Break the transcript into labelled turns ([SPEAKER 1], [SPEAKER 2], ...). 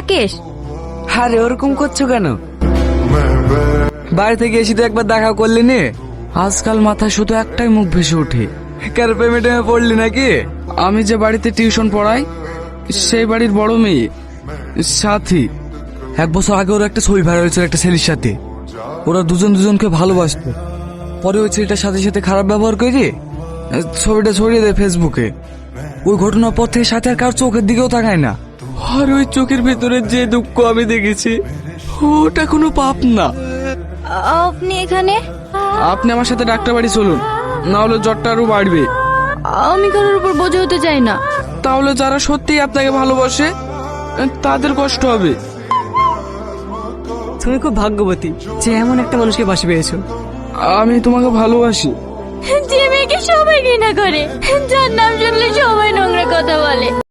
[SPEAKER 1] রাকেশ?
[SPEAKER 2] আরে ওরকম করছো কেন? বাড়ি থেকে এসে তো একবার দেখা করলি নে। আজকাল মাথায় শুধু একটাই মুখ ভেসে ওঠে। কার প্রেমে পড়লি নাকি? আমি যে বাড়িতে টিউশন পড়াই সেই বাড়ির বড় মেয়ে সাথী। 1 বছর আগে ওর একটা ছবি ভাইরাল হয়েছিল একটা ছেলের সাথে। ওরা দুজনকে ভালোবাসতো। পরে ওই ছেলেটার সাথে সাথে খারাপ ব্যবহার করে ছবিটা ছড়িয়ে দেয় ফেসবুকে। ওই ঘটনার পর থেকে সাথে আর কার চোখের দিকেও তাকায় না। আর ওই চোখের ভেতরে যে দুঃখ আমি দেখেছি ওটা কোনো পাপ না।
[SPEAKER 1] আপনি এখানে?
[SPEAKER 2] আপনি আমার সাথে ডাক্তার বাড়ি চলুন, না হলে জ্বরটা আরো বাড়বে।
[SPEAKER 1] আমি কারোর উপর বোঝা হতে চাই না।
[SPEAKER 2] তাহলে যারা সত্যিই আপনাকে ভালোবাসে তাদের কষ্ট হবে।
[SPEAKER 3] তুমি খুব ভাগ্যবতী যে এমন একটা মানুষকে বাসি পেয়েছো।
[SPEAKER 2] আমি তোমাকে ভালোবাসি।
[SPEAKER 1] যে মেয়েকে সবাই ঘৃণা করে, যার নাম শুনলে সবাই নোংরা কথা বলে।